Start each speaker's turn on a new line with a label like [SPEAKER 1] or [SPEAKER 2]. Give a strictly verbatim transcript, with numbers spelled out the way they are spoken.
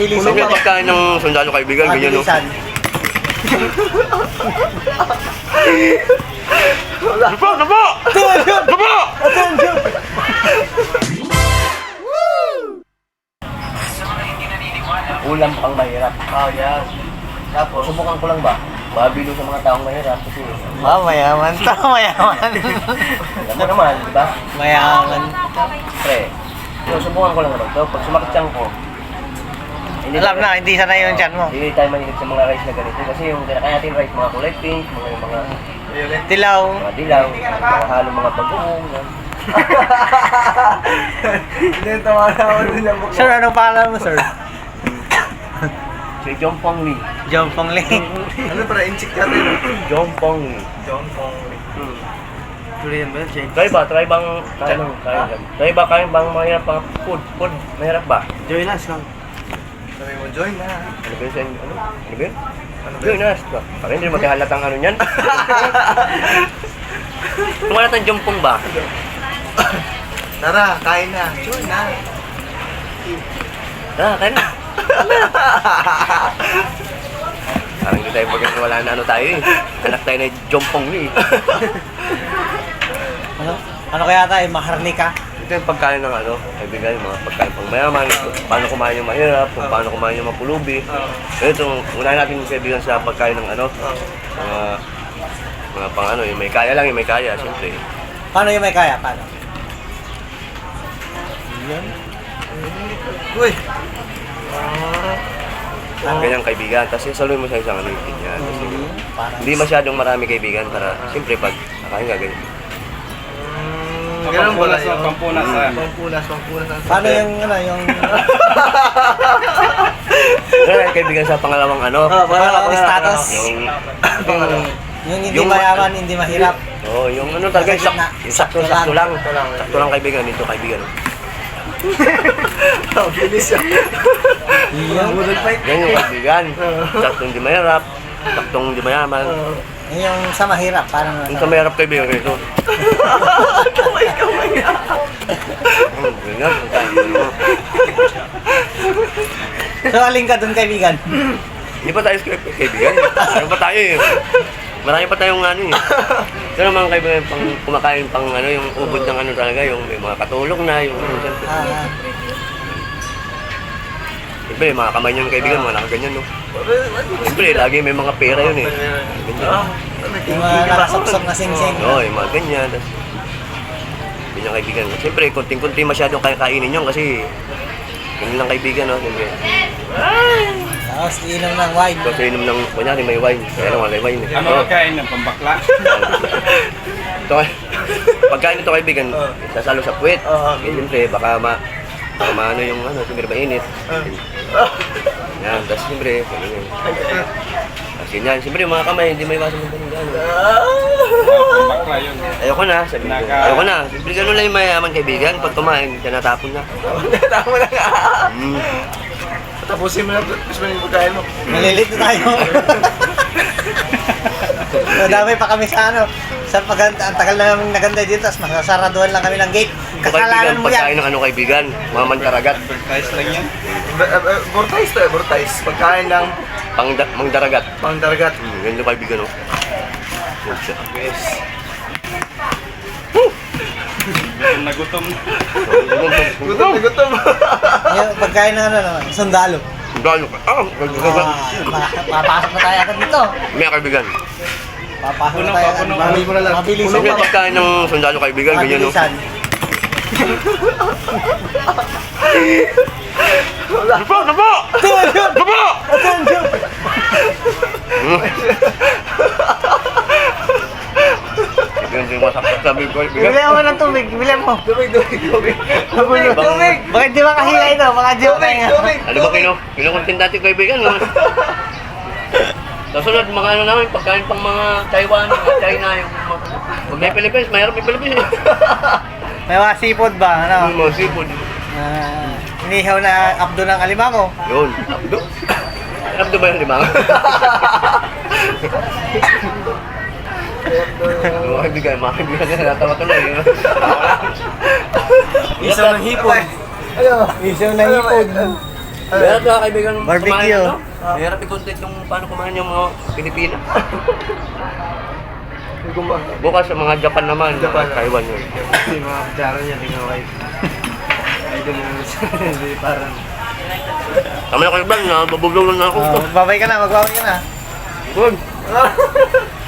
[SPEAKER 1] Puno ka pagkain ng sundalo kaibigan, ganyan no? Napa! Napa! Napa!
[SPEAKER 2] Ulam pang mahirap. Oh, yan. Tapos, subukan ko lang ba? Mabilo sa mga taong mahirap kasi...
[SPEAKER 3] Ah, mayaman to, mayaman.
[SPEAKER 2] Alam mo naman, di ba?
[SPEAKER 3] Mayaman.
[SPEAKER 2] Pre, so, subukan ko lang naman to. Pag sumakit siyang ko, hindi
[SPEAKER 3] Alam na, hindi sana yung chan mo.
[SPEAKER 2] Hindi tayo mahilig sa mga rice na ganito. Kasi yung kinakain natin rice, mga kulay pink, mga mga,
[SPEAKER 3] Tilaw.
[SPEAKER 2] mga dilaw, mga halong mga bagoong. yan. Hindi, tawa na ako din ang
[SPEAKER 3] Sir, anong pangalan mo, sir?
[SPEAKER 2] Si John Pong Lee.
[SPEAKER 3] John Pong Lee.
[SPEAKER 2] Ano para in-check natin? John Pong Lee. John Pong Lee. Hmm.
[SPEAKER 3] Korean ba? Jake?
[SPEAKER 2] Try ba? Try bang... Try bang... Try ba? Kain bang mahirap pang food? Food? Mahirap ba?
[SPEAKER 3] Joy Nas lang.
[SPEAKER 4] Sabi mo, join na.
[SPEAKER 2] Ano ba yun? sa inyo? Ano? Ano ba yun? Join na. Parang hindi naman halatang ano niyan. Kung halatang John Pong ba?
[SPEAKER 4] Tara, kain na. Join na.
[SPEAKER 2] Ah, kain na. Parang hindi tayo pagkat wala na ano tayo eh. Anak tayo na John Pong Lee.
[SPEAKER 3] Ano? Ano kaya tayo? Maharnika?
[SPEAKER 2] Ito yung pagkain ng ano, kaibigan, mga pagkain pang mayaman, kung paano kumain yung mahirap, kung paano kumain yung mapulubi. Ito, unahin natin yung kaibigan sa pagkain ng ano, mga, mga pang ano, yung may kaya lang, yung may kaya, siyempre.
[SPEAKER 3] Paano yung may kaya? Paano? Yan.
[SPEAKER 4] Uy!
[SPEAKER 2] Ganyang kaibigan, tapos saluhin mo sa isang ano yung ganyan. Kasi,
[SPEAKER 3] Parang...
[SPEAKER 2] hindi masyadong marami kaibigan para, siyempre pag nakain ka ganyan.
[SPEAKER 4] Ganun pala yun.
[SPEAKER 1] Pampunas ha.
[SPEAKER 4] Pampunas, pampunas.
[SPEAKER 3] Paano yung, ano, yung...
[SPEAKER 2] Ganyan kaibigan sa pangalawang ano,
[SPEAKER 3] Pangalawang status.
[SPEAKER 2] yung,
[SPEAKER 3] Yung, yung hindi
[SPEAKER 2] Yung-
[SPEAKER 3] mayaman, hindi mahirap.
[SPEAKER 2] oh, yung ano talaga, yung, sak,
[SPEAKER 3] Gitna.
[SPEAKER 2] yung sakto, sakto lang. Sakto lang kaibigan, dito kaibigan.
[SPEAKER 4] Ang bilis yan.
[SPEAKER 3] Yung,
[SPEAKER 2] Yan yung kaibigan. Saktong hindi mahirap, saktong hindi mayaman.
[SPEAKER 3] yung sa mahirap, parang...
[SPEAKER 2] Yung sa mahirap kaibigan ganito.
[SPEAKER 4] Kamay, kamay.
[SPEAKER 2] Hmm, ganyan.
[SPEAKER 3] So, aling ka dun, kaibigan?
[SPEAKER 2] Hindi pa tayo script kaibigan. Ano pa tayo eh. Marami pa tayong ano eh. Pero mga kaibigan, pang kumakain pang ano, yung ubod ng ano talaga, yung may mga katulog na, yung ano, siyempre.
[SPEAKER 3] Ah,
[SPEAKER 2] Siyempre, mga kamay niyo ng kaibigan, mga nakaganyan no. Siyempre, lagi may mga pera yun eh. Ganyan.
[SPEAKER 3] yung mga nakasok-sok na sing-sing.
[SPEAKER 2] Oo, yung mga ganyan. Tas, yun yung kaibigan. Siyempre, konting-konti masyadong kaya kainin yun kasi yun lang kaibigan, no? Siyempre.
[SPEAKER 3] Tapos, inom ng wine.
[SPEAKER 2] Kasi inom ng, kunyari may wine. Kaya lang wala wine. eh.
[SPEAKER 1] Ano kain ng pambakla?
[SPEAKER 2] Ito, pagkain ito kaibigan, sasalo sa puwet. Eh, siyempre, baka ma, baka maano yung ano, siyempre mainit. Yan, tapos siyempre, ano yun. Tapos yun yan, siyempre mga kamay, hindi may iwasan ng ganun gano'n.
[SPEAKER 1] Pambakla yun.
[SPEAKER 2] Ayoko na, sabi ko. Ayoko na. Siyempre gano'n lang yung mayaman kaibigan. Pag kumain, siya natapon na.
[SPEAKER 4] Tama na nga.
[SPEAKER 2] Mm.
[SPEAKER 4] Tapusin mo na, tapos mo yung pagkain mo.
[SPEAKER 3] Malilito tayo. Madami pa kami sa ano. Sa pag ang tagal na namin naganda dito, tapos masasaraduhan lang kami ng gate.
[SPEAKER 2] Ito
[SPEAKER 3] Kasalanan
[SPEAKER 2] kaibigan,
[SPEAKER 3] mo
[SPEAKER 2] pagkain
[SPEAKER 3] yan.
[SPEAKER 2] ng ano kaibigan, mga mantaragat.
[SPEAKER 1] Advertise lang yan.
[SPEAKER 4] Bortais to eh, bortais. Pagkain ng
[SPEAKER 2] Pang mangdaragat.
[SPEAKER 4] pangdargat.
[SPEAKER 2] Hmm, ganyan yung kaibigan, no? Yan siya.
[SPEAKER 4] Yes.
[SPEAKER 1] Gutom na gutom.
[SPEAKER 4] Gutom na gutom.
[SPEAKER 3] Yung pagkain ng ano naman, sundalo.
[SPEAKER 2] Gano ka? Ah, gano
[SPEAKER 3] Ah, pa- papasok na tayo agad dito.
[SPEAKER 2] May kaibigan.
[SPEAKER 3] Papasok
[SPEAKER 1] Puno
[SPEAKER 3] na tayo
[SPEAKER 1] pa,
[SPEAKER 3] agad.
[SPEAKER 1] puno.
[SPEAKER 4] Mami mo na lang.
[SPEAKER 3] Mabilisan.
[SPEAKER 2] Siyempre pagkain ng sundalo kaibigan, ganyan, no?
[SPEAKER 3] Mabilisan.
[SPEAKER 2] Napa! Napa! Napa! Yan yung masakit sabi ko, kaibigan.
[SPEAKER 3] Bili mo ng tubig, bili mo.
[SPEAKER 4] Tubig, tubig, tubig.
[SPEAKER 3] Tubig.
[SPEAKER 4] Tubig.
[SPEAKER 3] Bakit di ba kahila ito? Baka di ba
[SPEAKER 4] Tubig,
[SPEAKER 3] kaya?
[SPEAKER 4] tubig.
[SPEAKER 2] Ano ba kino? Kinukontin dati kaibigan, no? Kasunod, mga ano namin, pagkain pang mga Taiwan, mga China, yung mga... Pag may Philippines, mayroon may Philippines eh.
[SPEAKER 3] May mga seafood ba? Ano?
[SPEAKER 2] Yung mga seafood.
[SPEAKER 3] Ah, inihaw na abdo ng alimango.
[SPEAKER 2] Yun. Abdo. Abdo ba yung limang? Mga kaibigan, mga kaibigan na natawa ko na eh.
[SPEAKER 3] Isaw ng hipon.
[SPEAKER 4] Ano?
[SPEAKER 3] Isaw ng hipon.
[SPEAKER 2] Meron ka kaibigan
[SPEAKER 3] Barbecue.
[SPEAKER 2] kumain, ano? Mahirap i-content yung paano kumain yung mga Pilipina. Bukas sa mga Japan naman,
[SPEAKER 4] Japan.
[SPEAKER 2] mga Taiwan yun.
[SPEAKER 3] Yung mga kutsara niya, tingnan ko. Idol mo hindi parang...
[SPEAKER 2] Tama na kayo ba? Nabubulong na ako.
[SPEAKER 3] Oh, magbabay ka na, magbabay ka na.
[SPEAKER 2] Good.